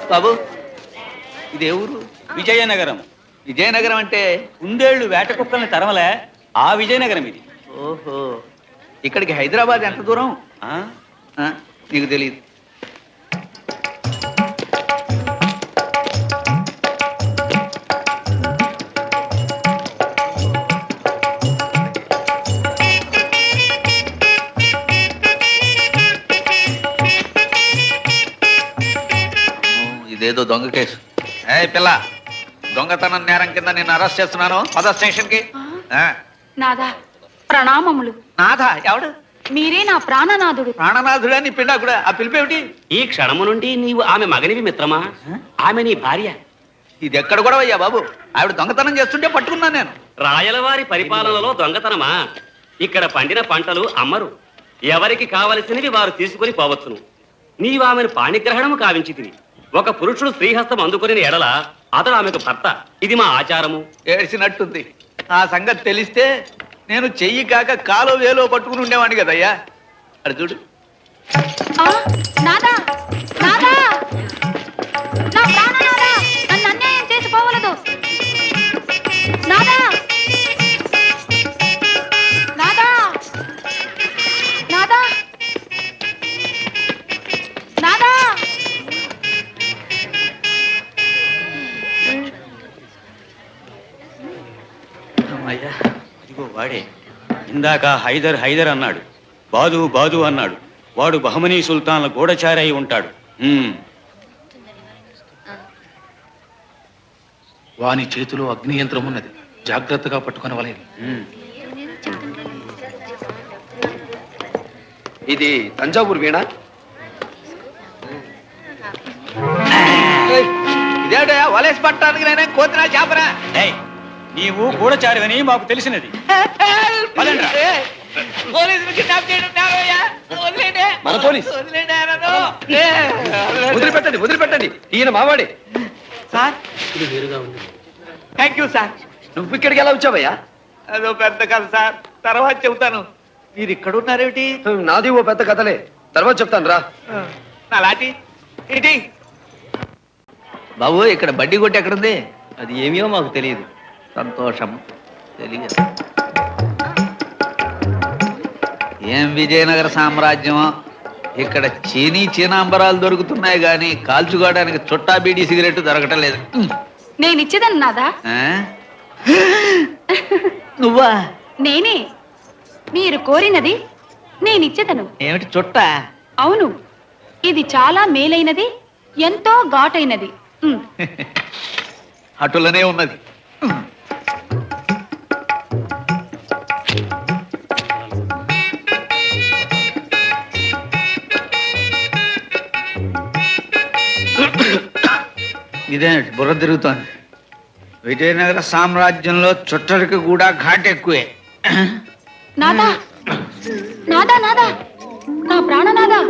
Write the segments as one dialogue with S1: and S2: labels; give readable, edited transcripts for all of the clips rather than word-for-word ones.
S1: బాబు ఇదే ఊరు?
S2: విజయనగరం.
S1: విజయనగరం అంటే
S2: కుందేళ్లు వేట కుక్కల్ని తరమలే ఆ విజయనగరం ఇది.
S1: ఓహో, ఇక్కడికి హైదరాబాద్ ఎంత దూరం?
S2: ఆ?
S1: నీకు తెలియదు. ఇదేదో దొంగ కేసు. ఏ పిల్ల, దొంగతనం నేరం కింద నేను అరెస్ట్ చేస్తున్నాను. పద స్టేషన్ కి.
S3: నాదా ప్రణామములు.
S1: నాథ ఎవడు?
S3: మీరే నా ప్రాణనాథుడు.
S1: ప్రాణనాథుడా? నీ పిండా కూడా. ఆ పిలిపేమిటి?
S4: ఈ క్షణము నుండి నీవు ఆమె మగనివి మిత్రమా, ఆమె నీ భార్య.
S1: ఇది ఎక్కడ కూడా అయ్యా బాబు? ఆవిడ దొంగతనం చేస్తుంటే పట్టుకున్నాను నేను.
S4: రాయలవారి పరిపాలనలో దొంగతనమా? ఇక్కడ పండిన పంటలు అమ్మరు, ఎవరికి కావలసినవి వారు తీసుకుని పోవచ్చును. నీవు ఆమెను పాణిగ్రహణము కావించితివి. ఒక పురుషుడు స్త్రీహస్తం అందుకుని ఎడల అతడు ఆమెకు భర్త. ఇది మా ఆచారము.
S1: ఏడ్చినట్టుంది. ఆ సంగతి తెలిస్తే నేను చెయ్యి కాక కాలో వేలో పట్టుకుని ఉండేవాడిని కదయ్యా. అది చూడు.
S3: నాదా నాదా, నా ప్రాణనాదా, నన్ను అన్యాయం చేసి పోవలదు. నాదా నాదా నాదా నాదా.
S1: అయ్యా,
S2: ఇదిగో వాడే. ఇందాక హైదర్ హైదర్ అన్నాడు, బాదు బాదు అన్నాడు. వాడు బహమనీ సుల్తాన్ల గూఢచారి అయి ఉంటాడు.
S5: వాని చేతిలో అగ్ని యంత్రం ఉన్నది, జాగ్రత్తగా పట్టుకుని వలయం.
S6: ఇది తంజావూరు వీణ.
S1: ఇదేటయా వలేసి పట్టడానికి నేనే కోతినా చేపరా?
S2: నీవు గూఢచారివని మాకు తెలిసినది.
S6: మన పోలీస్. వదిలిపెట్టండి వదిలిపెట్టండి, ఈయన మావాడే.
S1: Sir, thank you sir.
S6: నువ్వు ఇక్కడికి ఎలా వచ్చావయ్యా?
S1: అదో పెద్ద కథ సార్, తర్వాత చెబుతాను. మీరు ఇక్కడ ఉన్నారేమిటి?
S6: నాది ఓ పెద్ద కథలే, తర్వాత చెప్తాను రా.
S1: నా లాటి ఏంటి బాబు? ఇక్కడ బడ్డీ కొట్టి ఎక్కడుంది?
S6: అది ఏమో మాకు తెలియదు.
S1: సంతోషం. తెలియదు. ఏం విజయనగర సామ్రాజ్యమో! ఇక్కడ చీనాంబరాలు దొరుకుతున్నాయి గాని కాల్చుకోవడానికి చుట్టా బీడీ సిగరెట్ దొరకటం లేదు.
S3: నేను ఇచ్చేదను నాదా.
S1: నువ్వా?
S3: నేనే. మీరు కోరినది నేనిచ్చేదను.
S1: ఏమిటి చుట్టా?
S3: అవును, ఇది చాలా మేలైనది, ఎంతో ఘాటైనది.
S1: అటులనే ఉన్నది. ఇదే బుర్ర తిరుగుతోంది. విజయనగర సామ్రాజ్యంలో చుట్టరికి కూడా ఘాట్ ఎక్కువే.
S3: నాదా నాదా నాదా, నా ప్రాణనాదా.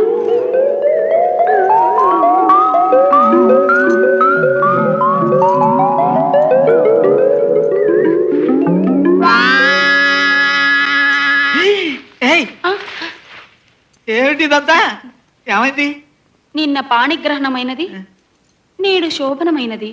S1: ఏమిటిదంతా? ఏమైంది?
S3: నిన్న పాణిగ్రహణమైనది, నేడు శోభనమైనది.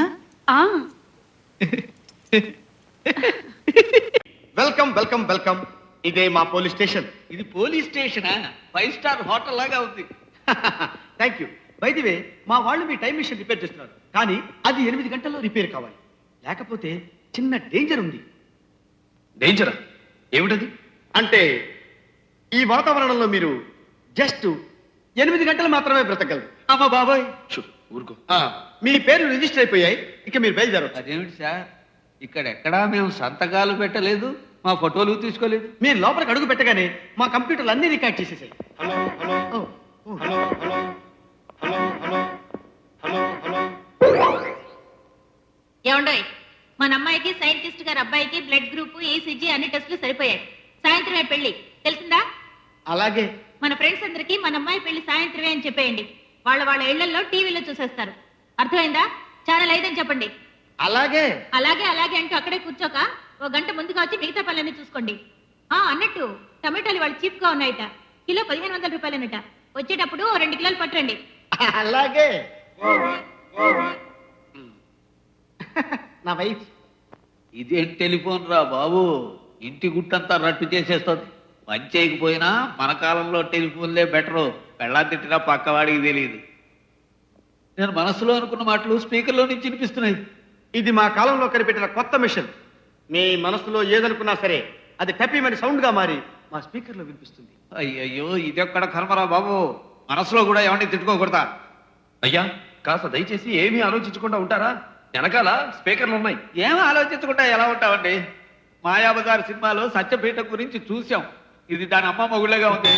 S6: Welcome welcome welcome. ఇదే మా పోలీస్ స్టేషన్.
S1: ఇది పోలీస్ స్టేషనా? 5 స్టార్ హోటల్ లాగా ఉంది.
S6: Thank you. By the way, మా వాళ్ళు మీ టైం మిషన్ రిపేర్ చేస్తున్నారు, కానీ అది 8 గంటల్లో రిపేర్ కావాలి. లేకపోతే చిన్న డేంజర్ ఉంది. డేంజరా? ఏమిటది? అంటే ఈ వాతావరణంలో మీరు జస్ట్ 8 గంటలు మాత్రమే బ్రతకగలరు. అమ్మ బాబాయ్, ఊరుకో. మీ పేరు రిజిస్టర్ అయిపోయాయి, ఇక మీరు బయలుదేరవచ్చు.
S1: అదేమిటి సార్, ఇక్కడెక్కడా మేము సంతకాలు పెట్టలేదు, మా ఫోటోలు తీసుకోలేదు.
S6: మీరు లోపలికి అడుగు పెట్టగానే మా కంప్యూటర్లు అన్ని రికార్డ్ చేసేసాయి. Hello hello hello hello hello hello hello hello.
S7: ఏమండోయ్, మన అమ్మాయికి సైంటిస్ట్ గారి అబ్బాయికి బ్లడ్ గ్రూప్, ఈసీజీ అన్ని టెస్టులు సరిపోయాయి. సాయంత్రమే పెళ్లి, తెలిసిందా?
S6: అలాగే.
S7: మన ఫ్రెండ్స్ అందరికి మన అమ్మాయి పెళ్లి సాయంత్రమే అని చెప్పేయండి. వాళ్ళ ఇళ్లలో టీవీలో చూసేస్తారు. అర్థమైందా? ఛానల్ 5 అని చెప్పండి.
S6: అలాగే
S7: అలాగే అలాగే అంటూ అక్కడే కూర్చోక 1 గంట ముందుగా వచ్చి మిగతా పనులన్నీ చూసుకోండి. అన్నట్టు టమాటాలు వాళ్ళు చీప్ గా ఉన్నాయట, కిలో 1500 రూపాయలనట. వచ్చేటప్పుడు 2 కిలోలు పట్టరండి.
S6: అలాగే. నా వైఫ్.
S1: ఇదేం టెలిఫోన్ రా బాబు, ఇంటి గుట్టంతా రట్టు చేసేస్తుంది. పని చేయకపోయినా మన కాలంలో టెలిఫోన్లే బెటరు. పెళ్ళా తిట్టినా పక్కవాడికి తెలియదు. నేను మనసులో అనుకున్న మాటలు స్పీకర్లో నుంచి వినిపిస్తున్నాయి.
S6: ఇది మా కాలంలో కనిపెట్టిన కొత్త మిషన్. మీ మనసులో ఏదనుకున్నా సరే అది టపీమని సౌండ్ గా మారి మా స్పీకర్ లో వినిపిస్తుంది.
S1: అయ్యయ్యో, ఇదెక్కడ కర్మరా బాబు, మనసులో కూడా ఎవరిని తిట్టుకోకూడదా?
S5: అయ్యా కాస్త దయచేసి ఏమీ ఆలోచించకుండా ఉంటారా? వెనకాల స్పీకర్లు ఉన్నాయి.
S1: ఏం ఆలోచించకుండా ఎలా ఉంటామండి? మాయాబజార్ సినిమాలో సత్యపీఠ గురించి చూసాం. ఇది దాని అమ్మ మొగుళ్ళగా ఉంది.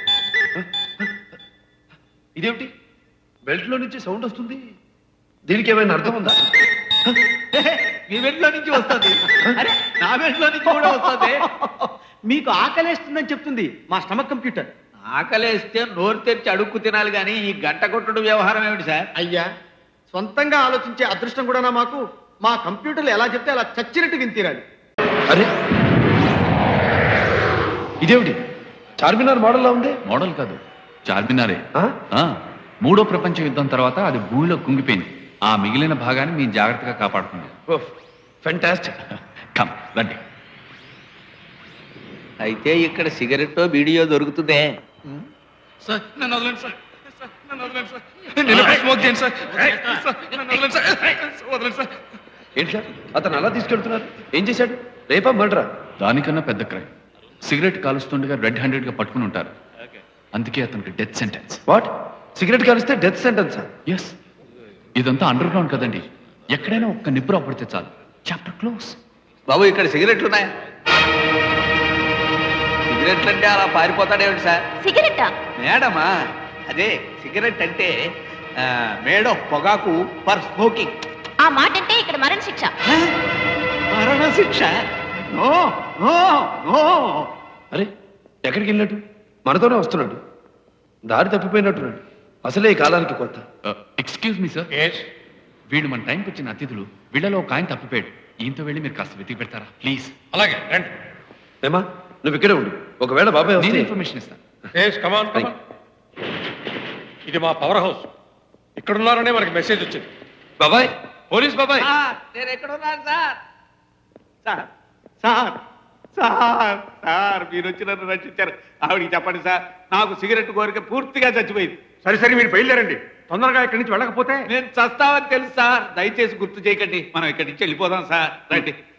S5: ఇదేమిటి బెల్ట్ లో నుంచి సౌండ్ వస్తుంది? దీనికి ఏమైనా అర్థం ఉందా?
S1: మీ బెడ్లో నుంచి వస్తుంది. అరే, నా బెడ్లో నుంచి కూడా వస్తుంది.
S6: మీకు ఆకలేస్తుందని చెప్తుంది మా స్టమక్ కంప్యూటర్.
S1: ఆకలేస్తే నోరు తెరిచి అడుక్కు తినాలి కానీ ఈ గంట కొట్టుడు వ్యవహారం ఏమిటి సార్?
S6: అయ్యా, సొంతంగా ఆలోచించే అదృష్టం కూడా మాకు. మా కంప్యూటర్లు ఎలా చెప్తే అలా చచ్చినట్టు వింతీరాలి.
S5: అరే ఇదేమిటి చార్మినార్ మోడల్లా ఉంది?
S8: మోడల్ కాదు, చార్మినారే.
S5: ఆ?
S8: ఆ, మూడో ప్రపంచ యుద్ధం తర్వాత అది భూమిలో కుంగిపోయింది. ఆ మిగిలిన భాగాన్ని మేము జాగ్రత్తగా కాపాడుకున్నాం.
S5: ఫెంటాస్టిక్.
S8: కమ్ రండి.
S1: అయితే ఇక్కడ సిగరెట్టో వీడియో దొరుకుతుందే.
S5: సార్ నన్ను వదలండి సార్. నన్ను వదలండి సార్. నేను స్మోక్ చేయండి సార్. నన్ను వదలండి సార్. వదలండి సార్. ఏంటి సార్ అతను అలా తీసుకెళ్తున్నారు? ఏం చేశాడు? రేపా మర్డరా?
S8: దానికన్నా పెద్ద క్రైమ్. సిగరెట్ కాలుస్తుండగా రెడ్ హ్యాండెడ్ గా పట్టుకుని ఉంటారు. అందుకే అతనికి డెత్ సెంటెన్స్.
S5: వాట్? సిగరెట్ కాలిస్తే డెత్ సెంటెన్సా?
S8: ఎస్, ఇదంతా అండర్ గ్రౌండ్ కదండి. ఎక్కడైనా ఒక్క నిప్పు రాపడితే చాలు, చాప్టర్ క్లోజ్.
S1: బాబు, ఇక్కడ సిగరెట్లు ఉన్నాయా? సిగరెట్లు అంటే అలా పారిపోతాడేమిటి సార్?
S7: సిగరెట్టా?
S1: మేడమా, అదే సిగరెట్ అంటే మేడం పొగాకు ఫర్ స్మోకింగ్.
S7: ఆ మాట అంటే ఇక్కడ మరణ శిక్ష.
S1: మరణ శిక్ష? No no no.
S5: అరే ఎక్కడికి వెళ్ళినట్టు? మనతోనే వస్తున్నాడు. దారి తప్పిపోయినట్టున్నాడు. అసలే ఈ కాలానికి కొత్త.
S8: ఎక్స్క్యూజ్ మీ సార్, వీళ్ళు మన టైంకి వచ్చిన అతిథులు. వీళ్ళలో ఒక ఆయన తప్పిపోయాడు. ఈయంతో వెళ్ళి మీరు కాస్త వెతికి పెడతారా ప్లీజ్?
S5: అలాగే రండి. ఏమా నువ్వు ఇక్కడే ఉండు. ఒకవేళ బాబాయ్
S8: నేను
S5: వస్తే
S8: ఇన్ఫర్మేషన్ ఇస్తాను.
S9: ఇది మా పవర్ హౌస్. ఇక్కడున్నారనే మనకి మెసేజ్ వచ్చింది.
S5: బాబాయ్, పోలీస్ బాబాయ్.
S1: నేను ఎక్కడున్నాను sir? Sir sir sir sir, మీరు వచ్చి నన్ను రక్షించారు. ఆవిడికి చెప్పండి సార్, నాకు సిగరెట్ కోరిక పూర్తిగా చచ్చిపోయింది.
S9: సరే సరే మీరు బయలుదేరండి. తొందరగా ఇక్కడి నుంచి వెళ్ళకపోతే
S1: నేను చస్తావని తెలుసు సార్. దయచేసి గుర్తు చేయకండి. మనం ఇక్కడి నుంచి వెళ్ళిపోదాం సార్. రండి.